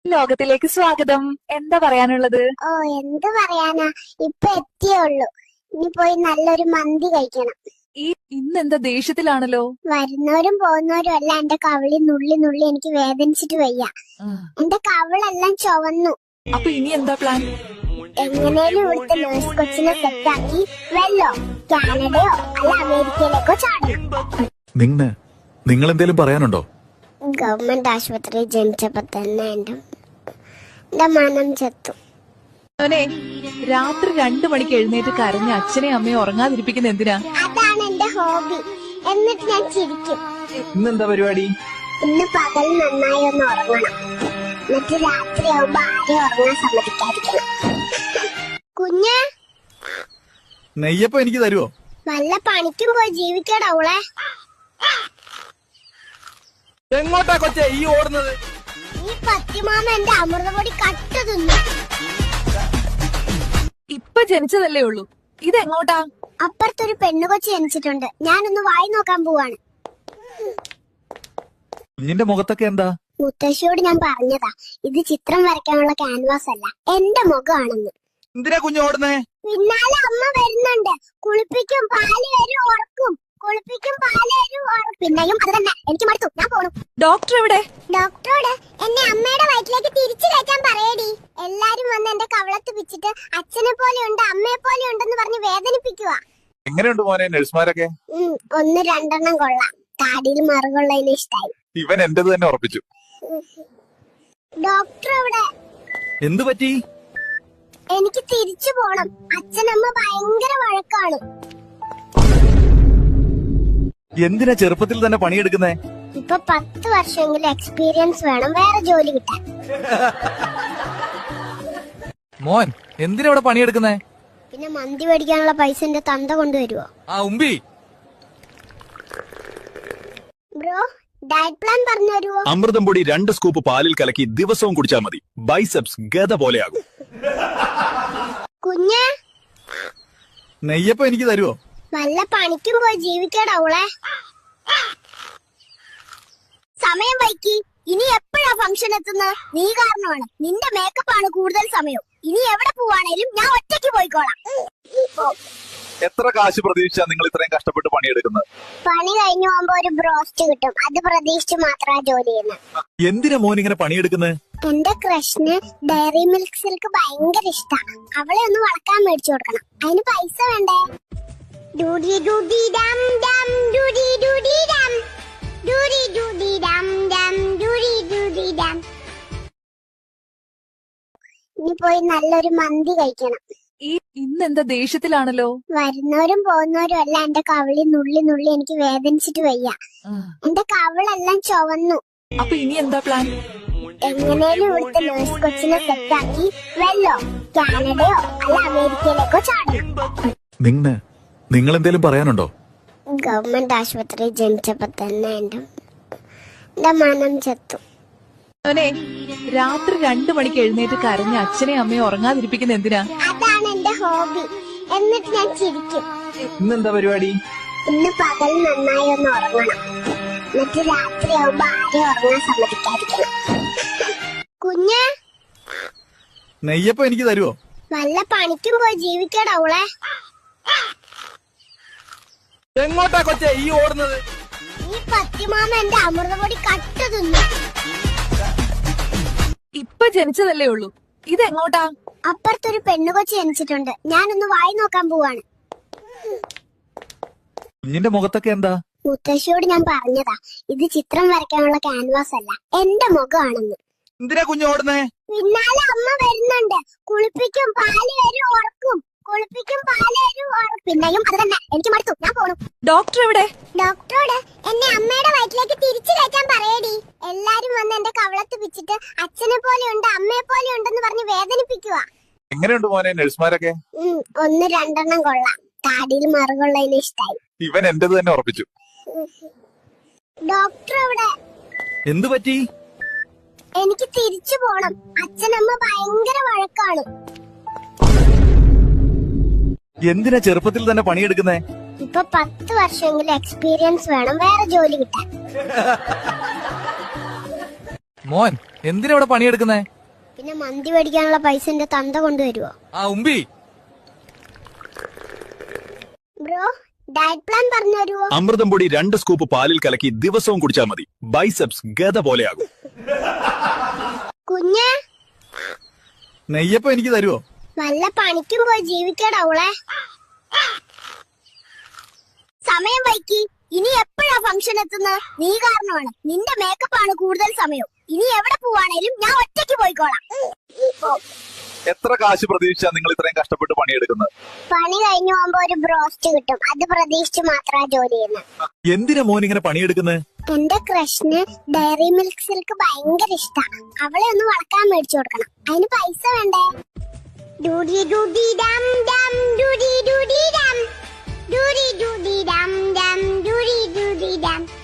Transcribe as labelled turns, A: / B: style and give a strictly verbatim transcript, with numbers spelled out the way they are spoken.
A: ലോകത്തിലേക്ക് സ്വാഗതം. എന്താ പറയാനുള്ളത്?
B: ഓ എന്ത് പറയാനാ, ഇപ്പൊ എത്തിയുള്ളൂ. ഇനി പോയി നല്ലൊരു മന്തി കഴിക്കണം.
A: ഈ ഇന്നെന്താ ദേഷ്യത്തിലാണല്ലോ?
B: വരുന്നവരും പോകുന്നവരും അല്ല എന്റെ കവിളി നുള്ളി നുള്ളി എനിക്ക് വേദനിച്ചിട്ട് വയ്യ. എന്റെ കവിളെല്ലാം ചുവന്നു.
A: അപ്പൊ ഇനി എന്താ പ്ലാൻ?
B: എങ്ങനെയും ഇവിടുത്തെ നേഴ്സ് കൊച്ചിനെ സെറ്റാക്കി വെല്ലോ കാനഡയോ അല്ല അമേരിക്കയിലേക്കോ ചാടണം.
C: നിങ്ങ നിങ്ങൾ എന്തേലും പറയാനുണ്ടോ?
B: ഗവൺമെന്റ് ആശുപത്രി ജനിച്ചപ്പോ തന്നെ എന്റെ എന്റെ മനം ചത്തു.
A: അവനെ രാത്രി രണ്ടു മണിക്ക് എഴുന്നേറ്റ് കരഞ്ഞ അച്ഛനെയും അമ്മയും ഉറങ്ങാതിരിപ്പിക്കുന്ന എന്തിനാ?
B: അതാണ് എന്റെ ഹോബി. എന്നിട്ട് ഞാൻ ചിരിക്കും.
D: ഇന്നെന്താ പരിപാടി?
B: ഇന്ന് പകൽ നന്നായി ഒന്ന് ഉറങ്ങണം. എന്നിട്ട് രാത്രി ആവുമ്പോ ആരെയും ഉറങ്ങാൻ സമ്മതിക്കാതിരിക്കണം. കുഞ്ഞ്
C: നെയ്യപ്പം എനിക്ക് തരുവോ?
B: വല്ല പണിക്കും പോയി ജീവിക്കടവളെ.
D: എങ്ങോട്ടാ കൊച്ചേ ഈ ഓടുന്നത്?
B: ഈ പത്തിമാമ എന്റെ അമൃതപൊടി കട്ട തിന്നു.
A: ഇപ്പൊ ജനിച്ചതല്ലേ ഉള്ളൂ, ഇതെങ്ങോട്ടാ?
B: അപ്പുറത്തൊരു പെണ്ണുകൊച്ചി ജനിച്ചിട്ടുണ്ട്. ഞാനൊന്ന് വായി നോക്കാൻ പോവാണ്.
C: കുഞ്ഞിന്റെ മുഖത്തൊക്കെ എന്താ?
B: മുത്തശ്ശിയോട് ഞാൻ പറഞ്ഞതാ, ഇത് ചിത്രം വരയ്ക്കാനുള്ള ക്യാൻവാസ് അല്ല, എന്റെ മുഖമാണെന്ന്.
D: എന്തിനാ കുഞ്ഞു ഓടുന്നേ?
B: പിന്നാലെ അമ്മ വരുന്നുണ്ട്. കുളിപ്പിക്കും, പാല് വരും, ഉറക്കും. കുളിപ്പിക്കും, പാല് വരും, ഉറക്കും. പിന്നെയും അത് തന്നെ. എനിക്ക് മടുത്തു, ഞാൻ പോണു.
A: ഡോക്ടർ എവിടെ?
B: ഡോക്ടറോട് എന്നെ അമ്മയുടെ വയറ്റിലേക്ക് തിരിച്ചു കയറ്റാൻ പറയടി. എല്ലാരും വന്ന് എന്റെ കവളത്ത് പിച്ചിട്ട് അച്ഛനെ പോലെ ഉണ്ട് അമ്മയെ പോലെ ഉണ്ടെന്ന് പറഞ്ഞ് വേദനിപ്പിക്കുക.
C: എങ്ങനെയുണ്ട് മോനെ നഴ്സുമാരൊക്കെ?
B: ഒന്ന് രണ്ടെണ്ണം കൊള്ളാം. താടിയിൽ മറുകൊള്ളതിന് ഇഷ്ടായി.
C: ഇവൻ എന്റേത് തന്നെ ഉറപ്പിച്ചു.
B: ഡോക്ടർ എവിടെ?
C: എന്തു പറ്റി?
B: എനിക്ക് തിരിച്ചു പോണം. അച്ഛനമ്മ ഭയങ്കര വഴക്കാണ്.
C: എന്തിനാ ചെറുപ്പത്തിൽ തന്നെ പണിയെടുക്കുന്നേ?
B: ഇപ്പൊ പത്ത് വർഷമെങ്കിലും എക്സ്പീരിയൻസ് വേണം വേറെ ജോലി കിട്ടാൻ.
D: മോൻ എന്തിനാ ഇവിടെ പണിയെടുക്കുന്നേ?
B: പിന്നെ മന്തി മേടിക്കാനുള്ള പൈസ എന്റെ തന്ത കൊണ്ടുവരുവോ?
D: ആ ഉമ്പി
B: ബ്രോ, ഡയറ്റ് പ്ലാൻ പറഞ്ഞു തരുവോ?
C: അമൃതം പൊടി രണ്ട് സ്കൂപ്പ് പാലിൽ കലക്കി ദിവസവും കുടിച്ചാൽ മതി. ബൈസെപ്സ് ഗത പോലെയാകും.
B: കുഞ്ഞ്
C: നെയ്യപ്പം എനിക്ക് തരുവോ?
B: വല്ല പണിക്കും പോയി ജീവിക്കടവളെ. സമയം വൈകി. ഇനി എപ്പോഴാ ഫംഗ്ഷൻ എത്തുന്നത്? നീ കാരണമാണ്. നിന്റെ മേക്കപ്പ് ആണ് കൂടുതൽ സമയം. ഇനി എവിടെ പോവാണേലും ഞാൻ ഒറ്റയ്ക്ക് പോയിക്കോളാം.
C: എത്ര കാശ് പ്രതീക്ഷിച്ചാ നിങ്ങൾ ഇത്രയും കഷ്ടപ്പെട്ട് പണിയെടുക്കുന്നത്?
B: പണി കഴിഞ്ഞു പോകുമ്പോ ഒരു ബ്രോസ്റ്റ് കിട്ടും. അത് പ്രതീക്ഷിച്ച് മാത്രമാ ജോലി ചെയ്യുന്നത്.
C: എന്തിനാ മോൻ ഇങ്ങനെ പണിയെടുക്കുന്നത്?
B: എന്റെ കൃഷ്ണന് ഡയറി മിൽക്ക് സിൽക്ക് ഭയങ്കര ഇഷ്ടാ. അവളെ ഒന്ന് വളക്കാൻ മേടിച്ചു കൊടുക്കണം. അതിന് പൈസ വേണ്ടേ? ഡൂഡി ഡൂഡി ഡം ഡം ഡൂഡി ഡൂഡി ഡം ഡൂഡി ഡൂഡി ഡം ഡം ഡൂഡി ഡൂഡി ഡം. ഇനി പോയി നല്ലൊരു മന്തി കഴിക്കണം.
A: ഈ ഇന്നെന്താ ദേഷ്യത്തിലാണല്ലോ?
B: വരുന്നവരും പോകുന്നവരും അല്ല എന്റെ കവിളി നുള്ളി നുള്ളി എനിക്ക് വേദനിച്ചിട്ട് വയ്യ. എന്റെ കവിളെല്ലാം ചുവന്നു.
A: അപ്പൊ ഇനി എന്താ പ്ലാൻ?
B: എങ്ങനെയും ഇവിടുത്തെ നേഴ്സ് കൊച്ചിനെ സെറ്റാക്കി വെല്ലോ കാനഡയോ അല്ല അമേരിക്കയിലേക്കോ ചാടണം.
C: നിങ്ങ നിങ്ങൾ എന്തേലും പറയാനുണ്ടോ?
B: ഗവൺമെന്റ് ആശുപത്രി ജനിച്ചപ്പോ തന്നെ എന്റെ എന്റെ മനം ചത്തു.
A: അവനെ രാത്രി രണ്ടു മണിക്ക് എഴുന്നേറ്റ് കരഞ്ഞ അച്ഛനെയും അമ്മയും ഉറങ്ങാതിരിപ്പിക്കുന്ന എന്തിനാ?
B: അതാണ് എന്റെ ഹോബി. എന്നിട്ട് ഞാൻ ചിരിക്കും.
D: ഇന്നെന്താ പരിപാടി?
B: ഇന്ന് പകൽ നന്നായി ഒന്ന് ഉറങ്ങണം. എന്നിട്ട് രാത്രി ആവുമ്പോ ആരെയും ഉറങ്ങാൻ സമ്മതിക്കാതിരിക്കണം. കുഞ്ഞ്
C: നെയ്യപ്പം എനിക്ക് തരുവോ?
B: വല്ല പണിക്കും പോയി ജീവിക്കടവളെ.
D: എങ്ങോട്ടാ കൊച്ചേ ഈ ഓടുന്നത്?
B: ഈ പത്തിമാമ എന്റെ അമൃതപൊടി കട്ട തിന്നു.
A: ഇപ്പൊ ജനിച്ചതല്ലേ ഉള്ളൂ, ഇതെങ്ങോട്ടാ?
B: അപ്പുറത്തൊരു പെണ്ണുകൊച്ചി ജനിച്ചിട്ടുണ്ട്. ഞാനൊന്ന് വായി നോക്കാൻ പോവാണ്.
C: കുഞ്ഞിന്റെ മുഖത്തൊക്കെ എന്താ?
B: മുത്തശ്ശിയോട് ഞാൻ പറഞ്ഞതാ, ഇത് ചിത്രം വരയ്ക്കാനുള്ള ക്യാൻവാസ് അല്ല, എന്റെ മുഖമാണെന്ന്.
D: എന്തിനാ കുഞ്ഞു ഓടുന്നേ?
B: പിന്നാലെ അമ്മ വരുന്നുണ്ട്. കുളിപ്പിക്കും, പാല് വരും, ഉറക്കും. കുളിപ്പിക്കും, പാല് വരും, ഉറക്കും. പിന്നെയും അത് തന്നെ. എനിക്ക് മടുത്തു, ഞാൻ പോണു.
A: ഡോക്ടർ എവിടെ?
B: ഡോക്ടറോട് എന്നെ അമ്മയുടെ വയറ്റിലേക്ക് തിരിച്ചു കയറ്റാൻ പറയടി. എല്ലാരും വന്ന് എന്റെ കവളത്ത് പിച്ചിട്ട് അച്ഛനെ പോലെ ഉണ്ട് അമ്മയെ പോലെ ഉണ്ടെന്ന് പറഞ്ഞ് വേദനിപ്പിക്കുക.
C: എങ്ങനെയുണ്ട് മോനെ നഴ്സുമാരൊക്കെ?
B: ഒന്ന് രണ്ടെണ്ണം കൊള്ളാം. താടിയിൽ മറുകൊള്ളതിന് ഇഷ്ടായി.
C: ഇവൻ എന്റേത് തന്നെ ഉറപ്പിച്ചു.
B: ഡോക്ടർ എവിടെ?
C: എന്തു പറ്റി?
B: എനിക്ക് തിരിച്ചു പോണം. അച്ഛനമ്മ ഭയങ്കര വഴക്കാണ്.
C: എന്തിനാ ചെറുപ്പത്തിൽ തന്നെ പണിയെടുക്കുന്നേ?
B: ഇപ്പൊ പത്ത് വർഷമെങ്കിലും എക്സ്പീരിയൻസ് വേണം വേറെ ജോലി കിട്ടാൻ.
D: മോൻ എന്തിനാ ഇവിടെ പണിയെടുക്കുന്നേ?
B: പിന്നെ മന്തി മേടിക്കാനുള്ള പൈസ എന്റെ തന്ത കൊണ്ടുവരുവോ?
D: ആ ഉമ്പി
B: ബ്രോ ഡയറ്റ് പ്ലാൻ പറഞ്ഞു തരുവോ?
C: അമൃതം പൊടി രണ്ട് സ്കൂപ്പ് പാലിൽ കലക്കി ദിവസവും കുടിച്ചാൽ മതി. ബൈസെപ്സ് ഗത പോലെയാകും.
B: കുഞ്ഞ്
D: നെയ്യപ്പം എനിക്ക് തരുവോ?
B: വല്ല പണിക്കും പോയി ജീവിക്കടാവളെ. സമയം വൈകി. ഇനി എപ്പോഴാ ഫംഗ്ഷൻ എത്തുന്നത്? നീ കാരണമാണ്. നിന്റെ മേക്കപ്പ് ആണ് കൂടുതൽ സമയം. ഇനി എവിടെ പോവാണേലും ഞാൻ ഒറ്റയ്ക്ക് പോയിക്കോളാം.
C: എത്ര കാശ് പ്രതീക്ഷിച്ചാ നിങ്ങൾ ഇത്രയും കഷ്ടപ്പെട്ട് പണിയെടുക്കുന്നത്?
B: പണി കഴിഞ്ഞു പോകുമ്പോ ഒരു ബ്രോസ്റ്റ് കിട്ടും. അത് പ്രതീക്ഷിച്ച് മാത്രമാ ജോലി ചെയ്യുന്നത്.
C: എന്തിനാ മോൻ ഇങ്ങനെ പണിയെടുക്കുന്നത്?
B: എന്റെ ക്രഷിന് ഡയറി മിൽക്ക് സിൽക്ക് ഭയങ്കര ഇഷ്ടാ. അവളെ ഒന്ന് വളക്കാൻ മേടിച്ചു കൊടുക്കണം. അതിന് പൈസ വേണ്ടേ? ഡൂഡി ഡൂഡി ഡം ഡം ഡൂഡി ഡൂഡി ഡം ഡൂഡി ഡൂഡി ഡം ഡം ഡൂഡി ഡൂഡി ഡം